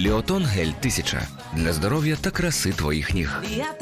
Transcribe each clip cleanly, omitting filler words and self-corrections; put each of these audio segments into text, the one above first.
Ліотон гель 1000 для здоров'я та краси твоїх ніг.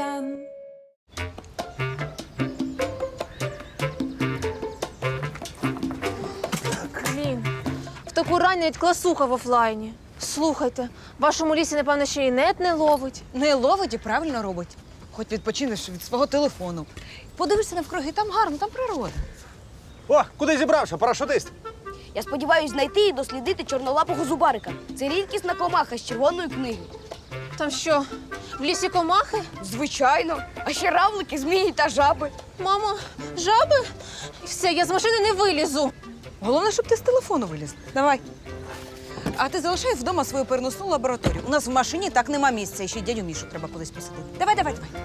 Блін, в таку рань навіть класуха в офлайні. Слухайте, в вашому лісі, напевно, ще й нет не ловить. Не ловить і правильно робить. Хоч відпочинеш від свого телефону. Подивишся навкруги, там гарно, там природа. О, куди зібрався, парашутист? Я сподіваюся знайти і дослідити чорнолапого зубарика. Це рідкісна комаха з червоної книги. Там що, в лісі комахи? Звичайно. А ще равлики, змії та жаби. Мамо, жаби? Все, я з машини не вилізу. Головне, щоб ти з телефону виліз. Давай. А ти залишай вдома свою переносну лабораторію. У нас в машині так нема місця, і ще й дядю Мішу треба кудись посадити. Давай, давай, давай.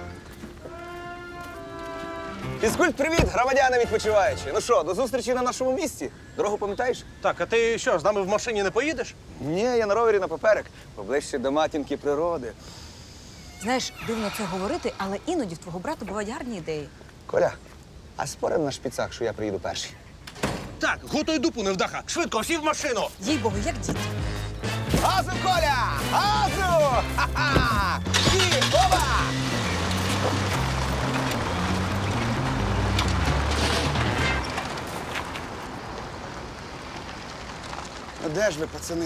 Фізкульт-привіт, громадяни відпочиваючі. Ну що, до зустрічі на нашому місці? Дорогу пам'ятаєш? Так, а ти що, з нами в машині не поїдеш? Ні, я на ровері напоперек, поближче до матінки природи. Знаєш, дивно це говорити, але іноді в твого брата бувають гарні ідеї. Коля, а спорим на шпицах, що я приїду перший? Так, готуй дупу невдаха. Швидко, всі в машину. Їй Богу, як діти. Газу, Коля! Газу! Ха-ха! І оба! Ну де ж ви, пацани?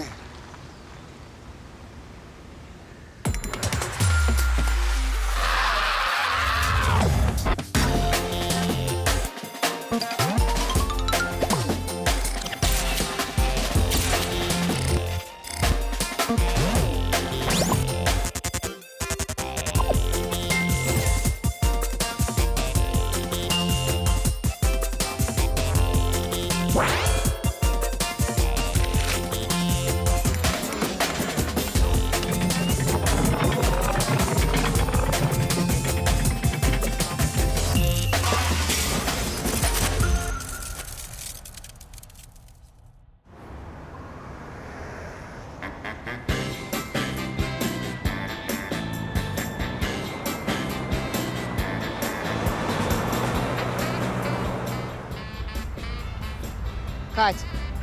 Катя.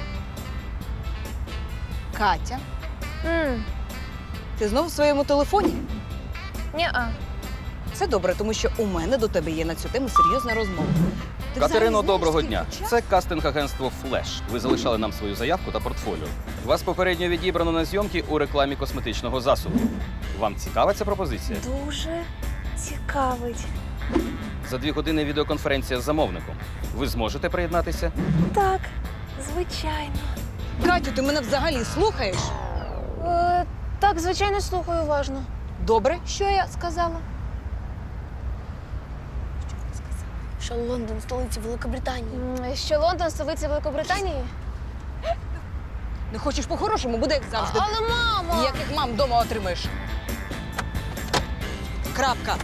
Катя, ти знову в своєму телефоні? Ні-а. Це добре, тому що у мене до тебе є на цю тему серйозна розмова. Ти Катерино, взагалі знаєш, доброго скільки дня. часу? Це кастинг-агентство «Флеш». Ви залишали нам свою заявку та портфоліо. Вас попередньо відібрано на зйомки у рекламі косметичного засобу. Вам цікава ця пропозиція? Дуже цікавить. За 2 години відеоконференція з замовником. Ви зможете приєднатися? Так, звичайно. Катю, ти мене взагалі слухаєш? Так, звичайно, слухаю уважно. Добре. Що я сказала? Що Лондон столиця Великобританії. Що Лондон – столиця Великобританії? Не хочеш по-хорошому, буде як завжди. Але, мамо! Ніяких мам вдома отримаєш. Крапка.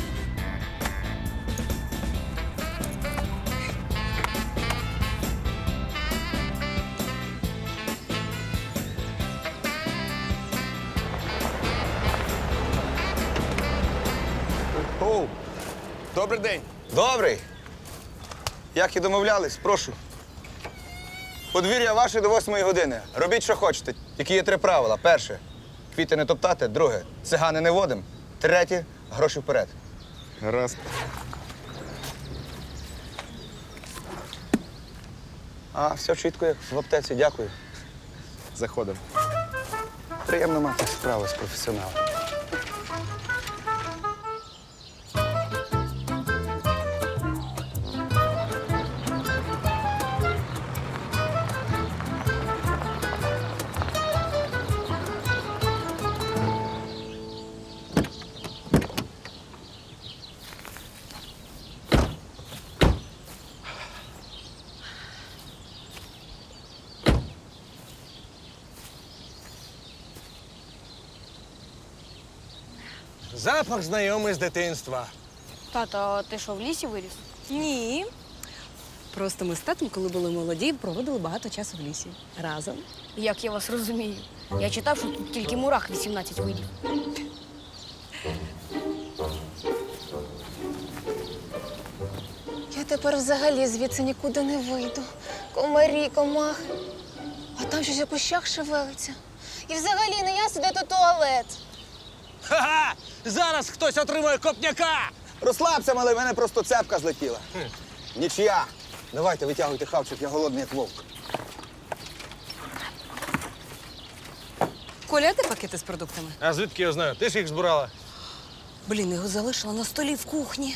Оу, добрий день. Добрий. Як і домовлялись, прошу. Подвір'я ваше до 8 години. Робіть, що хочете. Тільки є 3 правила. Перше – квіти не топтати. Друге – цигани не водим. Третє – гроші вперед. Гаразд. А, все чітко, як в аптеці. Дякую. Заходимо. Приємно мати справу з професіоналом. Запах знайомий з дитинства. Тато, а ти що, в лісі виріс? Ні. Просто ми з татом, коли були молоді, проводили багато часу в лісі. Разом. Як я вас розумію. Я читав, що тут тільки мурах 18 видів. Я тепер взагалі звідси нікуди не вийду. Комарі, комахи. А там щось у кущах шевелиться. І взагалі не я сюди то туалет. Ха-ха! Зараз хтось отримає копняка! Розслабся, малий, в мене просто цепка злетіла. Нічия. Давайте, витягуйте хавчик, я голодний, як вовк. Коля, а де пакети з продуктами? А звідки я знаю? Ти ж їх збирала. Блін, його залишила на столі в кухні.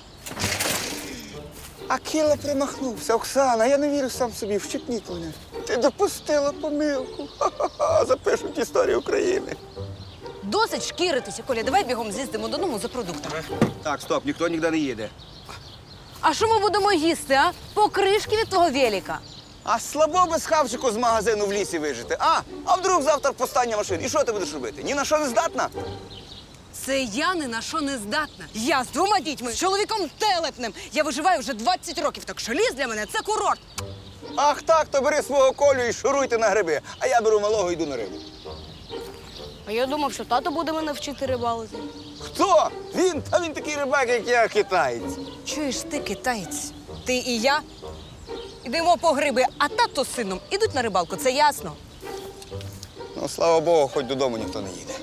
Акіла примахнувся. Оксана, я не вірю сам собі, вщипніть мене. Ти допустила помилку. Ха-ха-ха, запишуть історію України. Досить шкіритися, Коля, давай бігом з'їздимо додому за продуктами. Так, стоп, ніхто ніде не їде. А що ми будемо їсти, а? Покришки від твого велика. А слабо без хавчику з магазину в лісі вижити. А вдруг завтра постання машин? І що ти будеш робити? Ні на що не здатна? Це я ні на що не здатна. Я з 2 дітьми, з чоловіком телепним. Я виживаю вже 20 років, так що ліс для мене це курорт. Ах так, то бери свого Колю і шуруйте на гриби. А я беру малого і йду на рибу. А я думав, що тато буде мене вчити рибалити. Хто? Він? Та він такий рибак, як я, китаєць. Чуєш ти, китаєць? Ти і я йдемо по гриби, а тато з сином ідуть на рибалку, це ясно. Ну, слава Богу, хоч додому ніхто не їде.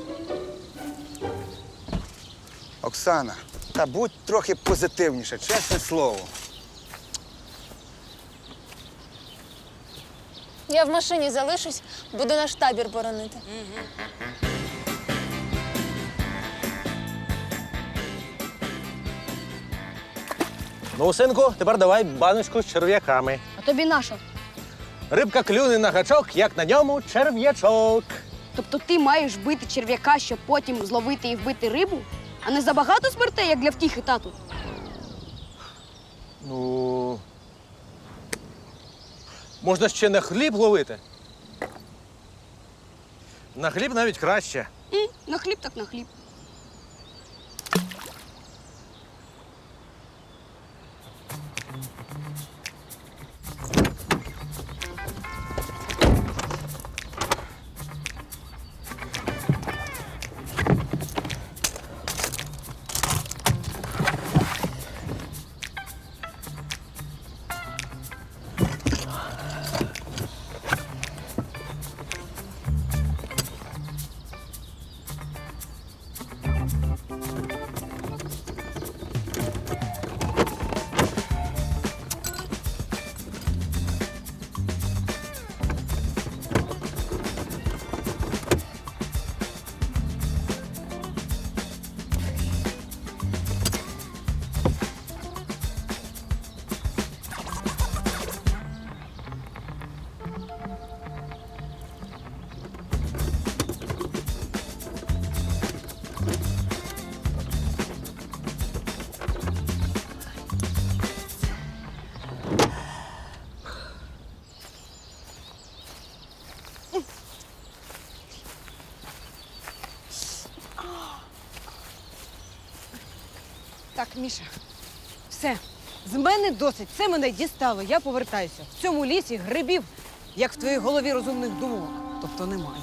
Оксана, та будь трохи позитивніше, чесне слово. Я в машині залишусь, буду наш табір боронити. Ну, синку, тепер давай баночку з черв'яками. А тобі наша. Рибка клюне на гачок, як на ньому черв'ячок. Тобто ти маєш бити черв'яка, щоб потім зловити і вбити рибу? А не забагато смертей, як для втіхи, тату? Ну. Можна ще на хліб ловити. На хліб навіть краще. На хліб так на хліб. Так, Міша, все. З мене досить. Це мене дістало. Я повертаюся. В цьому лісі грибів, як в твоїй голові розумних думок. Тобто немає.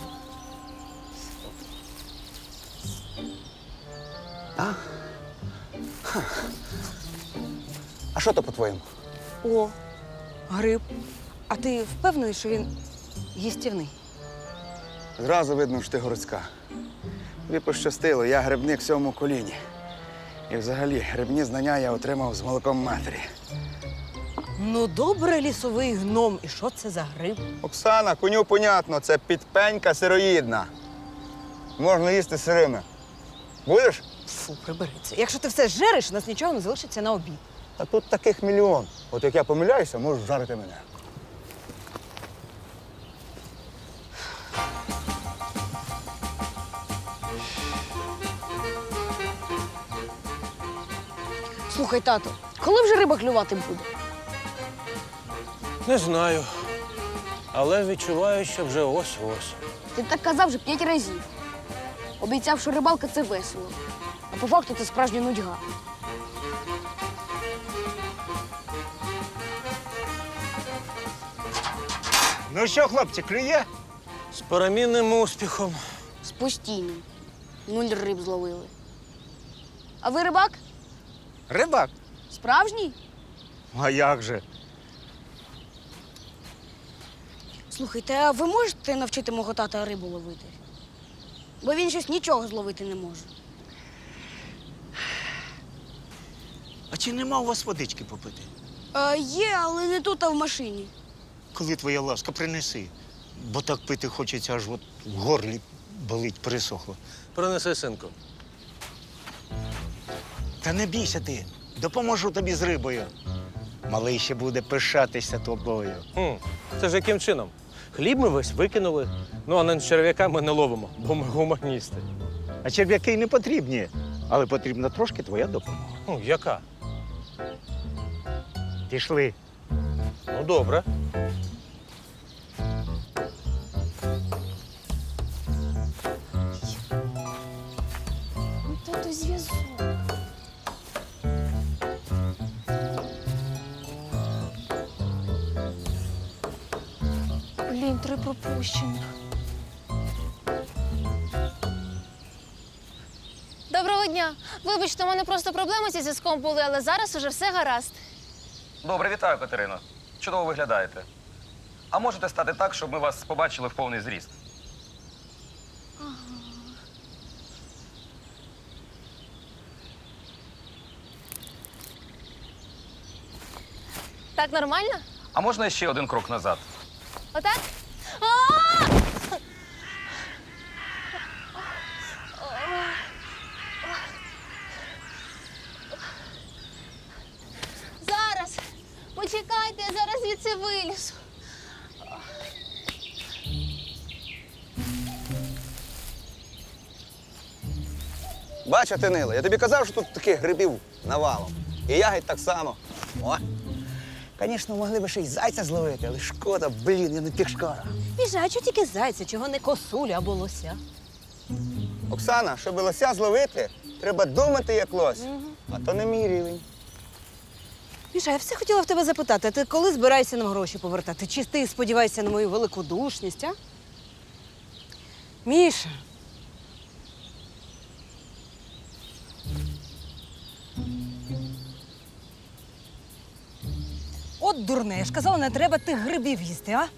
А що то по-твоєму? О, гриб. А ти впевнений, що він їстівний? Зразу видно, що ти городська. Тобі пощастило, я грибник в 7-му коліні. І взагалі грибні знання я отримав з молоком матері. Ну, добре, лісовий гном. І що це за гриб? Оксана, коню понятно, це підпенька сироїдна. Можна їсти сирими. Будеш? Фу, прибери це. Якщо ти все жереш, у нас нічого не залишиться на обід. А тут таких мільйон. От як я помиляюся, можеш жарити мене. Слухай, тато, коли вже риба клювати буде? Не знаю. Але відчуваю, що вже ось-ось. Ти так казав вже 5 разів. Обіцяв, що рибалка це весело. А по факту це справжня нудьга. Ну що, хлопці, клює? З перемінним успіхом. З постійним. 0 риб зловили. А ви рибак? Рибак? Справжній? А як же? Слухайте, а ви можете навчити мого тата рибу ловити? Бо він щось нічого зловити не може. А чи нема у вас водички попити? Є, але не тут, а в машині. Коли твоя ласка, принеси. Бо так пити хочеться, аж от в горлі болить, пересохло. Принеси, синку. Та не бійся ти, допоможу тобі з рибою. Малий ще буде пишатися тобою. Це ж яким чином? Хліб ми весь викинули, ну а на черв'яка ми не ловимо, бо ми гуманісти. А черв'яки не потрібні, але потрібна трошки твоя допомога. Яка? Пішли. Ну, добре. Ну, тату, зв'язок. Блін, 3 пропущених. Доброго дня. Вибачте, у мене просто проблеми зі зв'язком були, але зараз уже все гаразд. Добре, вітаю, Катерино. Чудово виглядаєте. А можете стати так, щоб ми вас побачили в повний зріст? Так нормально? А можна ще один крок назад? Отак? Зараз. Почекайте, я зараз звідси вилізу. Бачу, ти Нила, я тобі казав, що тут таких грибів навалом. І ягідь так само. О! Звісно, могли б ще й зайця зловити, але шкода, блін, я не пішкара. Міша, а чого тільки зайця, чого не косулю або лося? Оксана, щоб лося зловити, треба думати як лось. А то не мій рівень. Міша, я все хотіла в тебе запитати, а ти коли збираєшся нам гроші повертати? Чи ти сподіваєшся на мою великодушність, а? Міша. От дурне, я ж казала, не треба тих грибів їсти, а?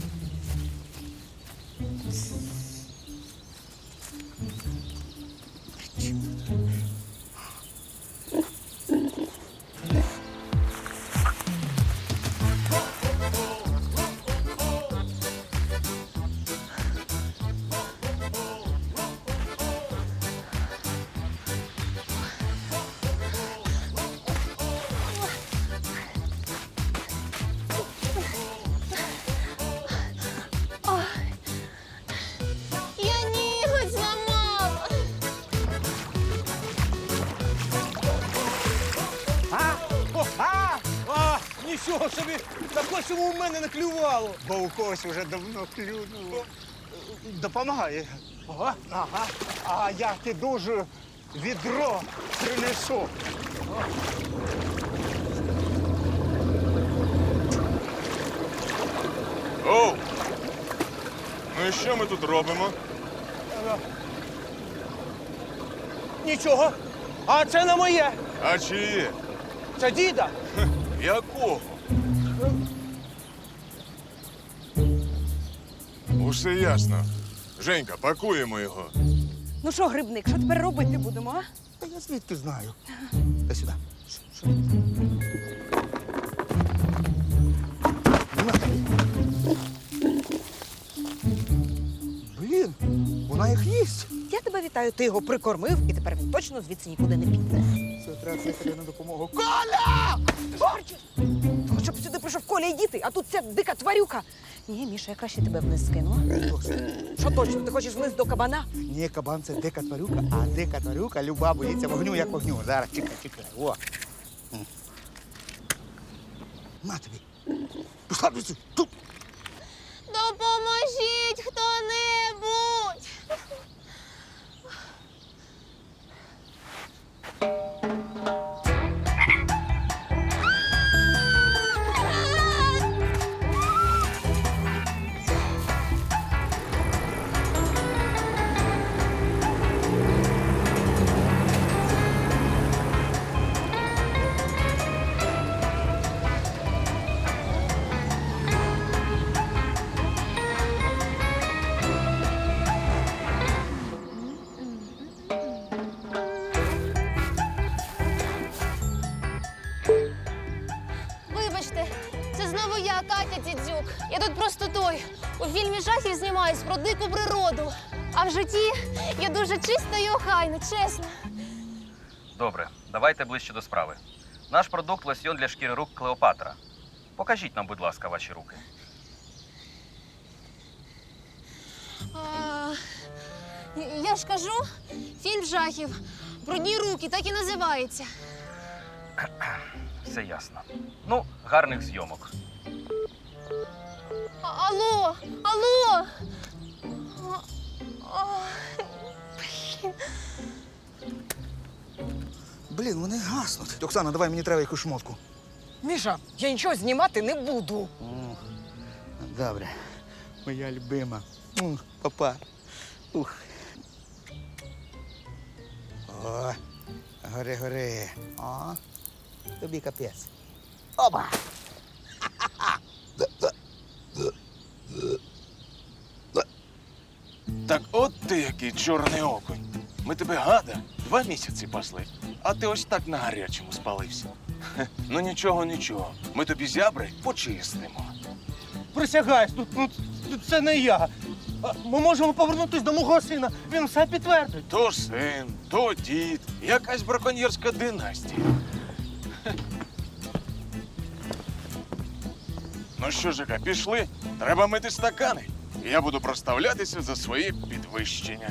Я ніготь зламала. Нічого собі, так ось йому в мене не клювало. Бо у когось уже давно клюнуло. Допомагає. Ага. А я ти дуже відро принесу. Оу! Ну і що ми тут робимо? Нічого. А це не моє. А чиє? Це діда. Якого? Усе ясно. Женька, пакуємо його. Ну що, грибник, що тепер робити будемо, а? Та я звідки знаю. Та сюди. Блін, вона їх їсть. Я тебе вітаю, ти його прикормив, і тепер він точно звідси нікуди не піде. Це треба кликати на допомогу. Арчі! Ну, щоб сюди прийшов Коля і діти, а тут ця дика тварюка. Ні, Міша, я краще тебе вниз скину. Що точно, ти хочеш вниз до кабана? Ні, кабан це дика тварюка, а дика тварюка люба боїться вогню, як вогню. Зараз, чекай. О. На тобі. Пішла звідси. Тут. Допоможіть хто-небудь. Я тут просто той. У фільмі жахів знімаюсь про дику природу. А в житті я дуже чиста і охайна, чесно. Добре, давайте ближче до справи. Наш продукт лосьйон для шкіри рук Клеопатра. Покажіть нам, будь ласка, ваші руки. Я ж кажу, фільм жахів. Брудні руки, так і називається. Все ясно. Ну, гарних зйомок. Алло, алло! Блін, вони гаснуть. Оксана, давай мені треба якусь шмотку. Міша, я нічого знімати не буду. Добре. Моя любима. Папа. Ух. О, гори. О, тобі капець. Опа! Так от ти який чорний окунь. Ми тебе, гада, 2 місяці пасли, а ти ось так на гарячому спалився. Хе, ну нічого. Ми тобі зябри почистимо. Присягаюсь, це не я. Ми можемо повернутися до мого сина. Він все підтвердить. То син, то дід, якась браконьєрська династія. Хе. Ну що, Жека, пішли? Треба мити стакани. І я буду проставлятися за свої підвищення.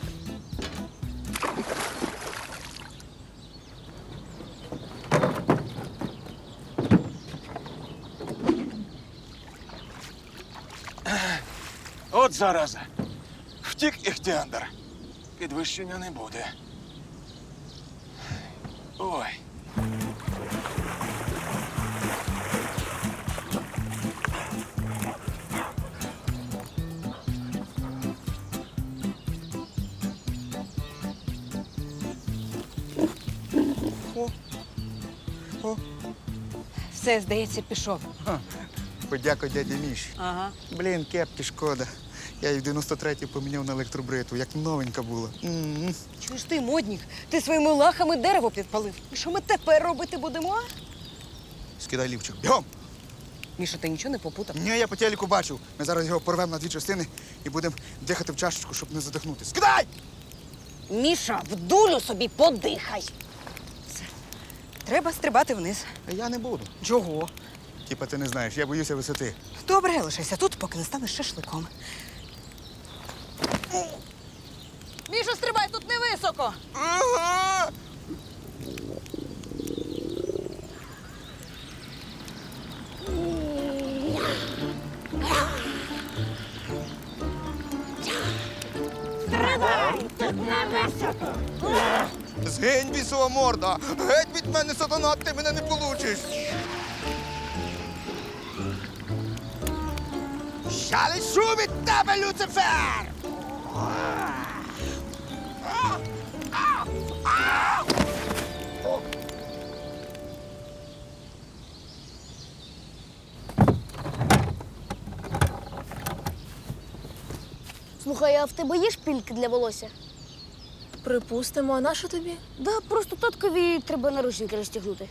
От зараза. Втік Іхтіандр. Підвищення не буде. Ой. Все, здається, пішов. Подякуй дяді Міші. Ага. Блін, кепки шкода. Я її в 93-й поміняв на електробритву, як новенька була. Чуєш ти, моднік? Ти своїми лахами дерево підпалив. І що ми тепер робити будемо? А? Скидай лівчик. Бігом! Міша, ти нічого не попутав? Ні, я по телеку бачив. Ми зараз його порвемо на 2 частини і будемо дихати в чашечку, щоб не задихнути. Скидай! Міша, в дулю собі подихай. Все. Треба стрибати вниз. А я не буду. Чого? Типа ти не знаєш, я боюся висоти. Добре, лишайся тут, поки не станеш шашликом. Міша, стрибай, тут не високо. Ага! Згинь, бісова морда! Геть від мене, сатана, ти мене не получиш! Я лишу від тебе, Люцифер! Слухай, а в тебе є шпильки для волосся? Припустимо, а на що тобі? Да, просто таткові треба наручники розтягнути.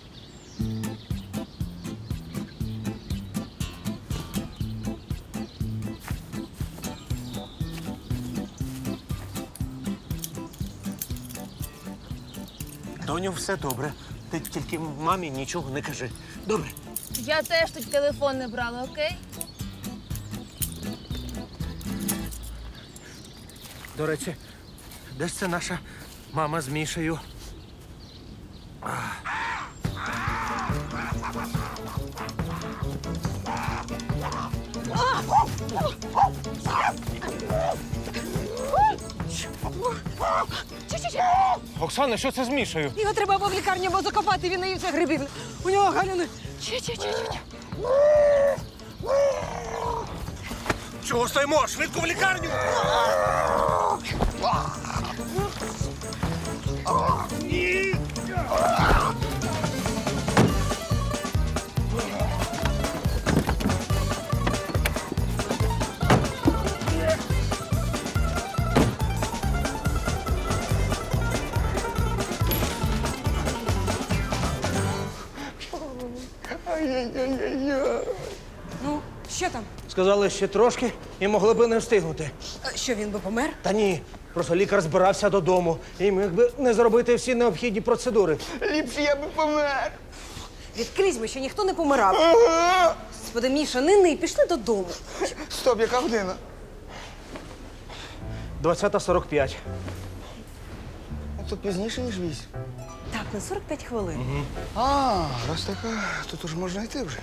Доню, все добре. Ти тільки мамі нічого не кажи. Добре? Я теж тут телефон не брала, окей? До речі, де ж це наша мама з Мішею? Оксана, що це з Мішею? Його треба або в лікарню, або закопати, він наївся грибів. У нього галюни. Чого стоїмо? Швидко в лікарню! Що там? Сказали, ще трошки і могли би не встигнути. Що він би помер? Та ні, просто лікар збирався додому і міг би не зробити всі необхідні процедури. Ліпше я би помер. Відкрізь ми, що ніхто не помирав. Господи, Міша, не ний, пішли додому. Стоп, яка година? 20:45. Тут пізніше, ніж 8. Так, на 45 хвилин. А, раз така, то тут можна йти вже.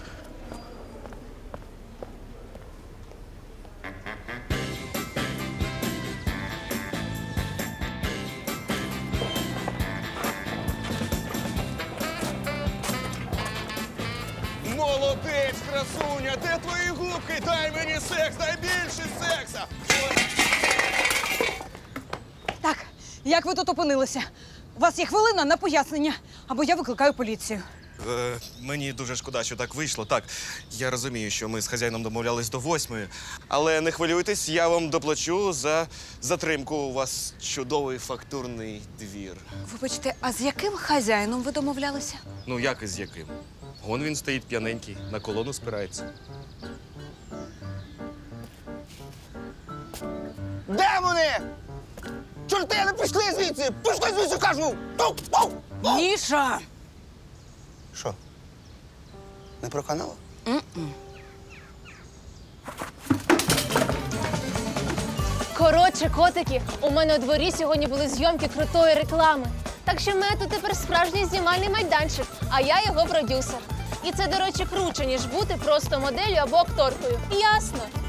Молодець, красуня! Де твої губки? Дай мені секс, дай більше секса! Так, як ви тут опинилися? У вас є хвилина на пояснення, або я викликаю поліцію. Мені дуже шкода, що так вийшло. Так, я розумію, що ми з хазяїном домовлялись до 8, але не хвилюйтесь, я вам доплачу за затримку. У вас чудовий фактурний двір. Вибачте, а з яким хазяїном ви домовлялися? Ну, як і з яким? Вон він стоїть п'яненький, на колону спирається. Де вони? Чорти, не пішли звідси! Пішли звідси, кажу! Міша! Що? Не проканало? Коротше, котики, у мене у дворі сьогодні були зйомки крутої реклами. Так що в мене тут тепер справжній знімальний майданчик, а я його продюсер. І це, до речі, круче, ніж бути просто моделлю або акторкою. Ясно.